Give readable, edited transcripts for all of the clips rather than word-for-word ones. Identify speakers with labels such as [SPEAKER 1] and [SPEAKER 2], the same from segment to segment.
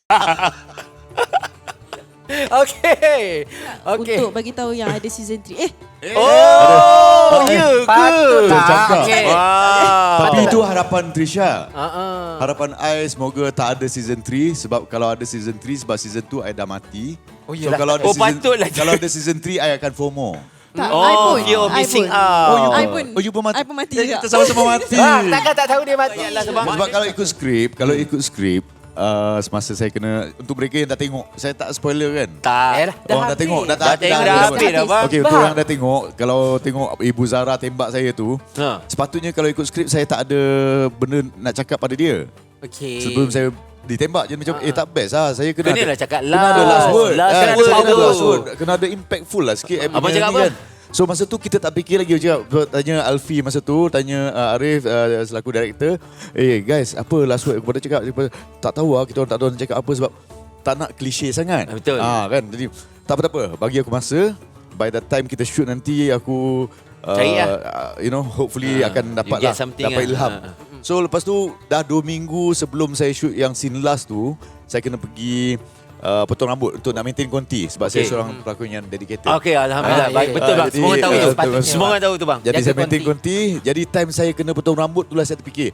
[SPEAKER 1] Okey.
[SPEAKER 2] Untuk bagi tahu yang ada season 3.
[SPEAKER 1] Ya ke?
[SPEAKER 3] Tercakap.
[SPEAKER 1] Okey.
[SPEAKER 3] Tapi itu harapan Trisha.
[SPEAKER 1] Uh-uh.
[SPEAKER 3] Harapan I semoga tak ada season 3 sebab kalau ada season 3 sebab season 2 I dah mati.
[SPEAKER 1] Oh,
[SPEAKER 3] So
[SPEAKER 1] yelah.
[SPEAKER 3] kalau ada
[SPEAKER 1] Patutlah.
[SPEAKER 3] kalau ada season 3 I akan FOMO.
[SPEAKER 2] Tak,
[SPEAKER 1] Oh,
[SPEAKER 2] I pun.
[SPEAKER 1] you're
[SPEAKER 2] I
[SPEAKER 1] missing
[SPEAKER 2] pun.
[SPEAKER 1] out.
[SPEAKER 2] I pun.
[SPEAKER 3] Oh, you pun mati.
[SPEAKER 2] I pun mati
[SPEAKER 3] Eh,
[SPEAKER 2] juga.
[SPEAKER 3] kita sama-sama mati.
[SPEAKER 1] Takkan tak tahu dia mati.
[SPEAKER 3] Sebab kalau ikut skrip, semasa saya kena, untuk mereka yang dah tengok, saya tak spoiler kan?
[SPEAKER 1] Tak.
[SPEAKER 3] Dah tengok, dah
[SPEAKER 1] tengok, dah habis dah, bang.
[SPEAKER 3] Okey, untuk yang dah tengok, kalau tengok Ibu Zara tembak saya tu, sepatutnya kalau ikut skrip saya tak ada benda nak cakap pada dia.
[SPEAKER 1] Okey.
[SPEAKER 3] Sebelum saya ditembak je macam tak best lah. Saya kena
[SPEAKER 1] Kenalah cakap
[SPEAKER 3] kena ada last word.
[SPEAKER 1] Last
[SPEAKER 3] Saya
[SPEAKER 1] word
[SPEAKER 3] ada
[SPEAKER 1] tu.
[SPEAKER 3] last word. Kena ada impactful lah sikit.
[SPEAKER 1] Abang cakap apa?
[SPEAKER 3] Kan. So masa tu kita tak fikir lagi. Tanya Alfi masa tu, tanya Arif selaku director, guys, apa last word kepada cakap? Tak tahu lah, kita orang tak tahu nak cakap apa sebab tak nak klise sangat.
[SPEAKER 1] Betul.
[SPEAKER 3] Kan. Jadi tak apa-apa, bagi aku masa. By the time kita shoot nanti aku
[SPEAKER 1] cari
[SPEAKER 3] hopefully akan dapat ilham. So lepas tu dah 2 minggu sebelum saya shoot yang scene last tu, saya kena pergi potong rambut untuk nak maintain konti sebab saya seorang pelakon yang dedicated.
[SPEAKER 1] Okey, alhamdulillah. Baik, betul bang. Semua orang tahu tu. Semua orang tahu tu bang.
[SPEAKER 3] Jadi saya maintain konti. Jadi time saya kena potong rambut itulah saya terfikir,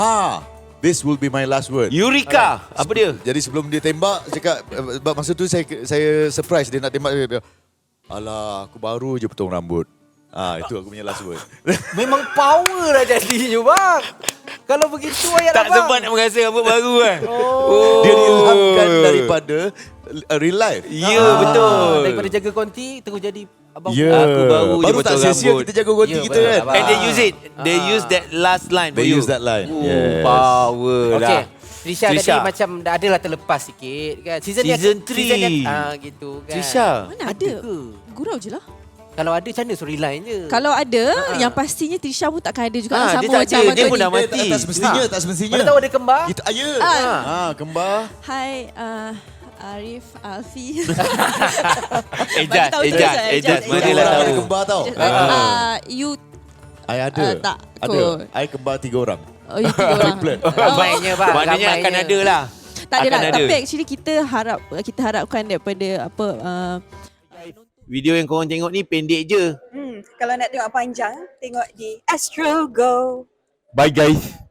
[SPEAKER 3] this will be my last word.
[SPEAKER 1] Eureka. Apa dia?
[SPEAKER 3] Jadi sebelum dia tembak, cakap masa tu saya surprise dia nak tembak. Dia, alah, aku baru je potong rambut. Itu aku punya last word.
[SPEAKER 1] Memang power lah jadinya bang. Kalau begitu ayat
[SPEAKER 3] lah,
[SPEAKER 1] abang.
[SPEAKER 4] Tak sempat nak merasa rambut baru kan.
[SPEAKER 3] Dia diilhamkan daripada real life.
[SPEAKER 4] Ya, betul.
[SPEAKER 1] Daripada jaga konti terus jadi abang.
[SPEAKER 4] Aku baru je
[SPEAKER 3] Baru tak
[SPEAKER 4] potong
[SPEAKER 3] sia-sia
[SPEAKER 4] rambut.
[SPEAKER 3] kita jaga konti kita kan.
[SPEAKER 4] And they use it. They use that last line for
[SPEAKER 3] They
[SPEAKER 4] you.
[SPEAKER 3] use that line. Yes.
[SPEAKER 4] Power
[SPEAKER 1] Okey.
[SPEAKER 4] lah.
[SPEAKER 1] Trisha tadi macam dah adalah terlepas sikit kan. Season
[SPEAKER 4] 3.
[SPEAKER 1] Gitu kan.
[SPEAKER 4] Trisha.
[SPEAKER 2] Mana ada? Gurau je lah.
[SPEAKER 1] Kalau ada macam mana storyline je?
[SPEAKER 2] Kalau ada, yang pastinya Trisha pun takkan ada juga. Sama
[SPEAKER 4] dia tak
[SPEAKER 2] macam
[SPEAKER 4] ada.
[SPEAKER 2] Abang
[SPEAKER 4] Dia pun
[SPEAKER 2] Tony.
[SPEAKER 4] dah mati.
[SPEAKER 3] Tak semestinya, tak semestinya.
[SPEAKER 1] Mana tahu ada kembar?
[SPEAKER 3] Kita kembar.
[SPEAKER 2] Hai, Arif, Alfi.
[SPEAKER 4] Ejaz.
[SPEAKER 3] Mana
[SPEAKER 4] Mana lah
[SPEAKER 3] orang
[SPEAKER 4] tahu.
[SPEAKER 3] ada kembar tau.
[SPEAKER 2] You
[SPEAKER 3] I ada.
[SPEAKER 2] tak
[SPEAKER 3] Ada.
[SPEAKER 2] kot.
[SPEAKER 3] I kembar 3 orang.
[SPEAKER 2] Oh, you 3 orang.
[SPEAKER 3] Triplet.
[SPEAKER 1] Ramainya bang.
[SPEAKER 4] Maknanya akan ada lah.
[SPEAKER 2] Tak ada
[SPEAKER 4] Akan
[SPEAKER 2] lah.
[SPEAKER 4] ada.
[SPEAKER 2] Tapi actually kita harapkan daripada
[SPEAKER 4] Video yang korang tengok ni pendek je.
[SPEAKER 5] Kalau nak tengok panjang, tengok di Astro Go.
[SPEAKER 4] Bye guys.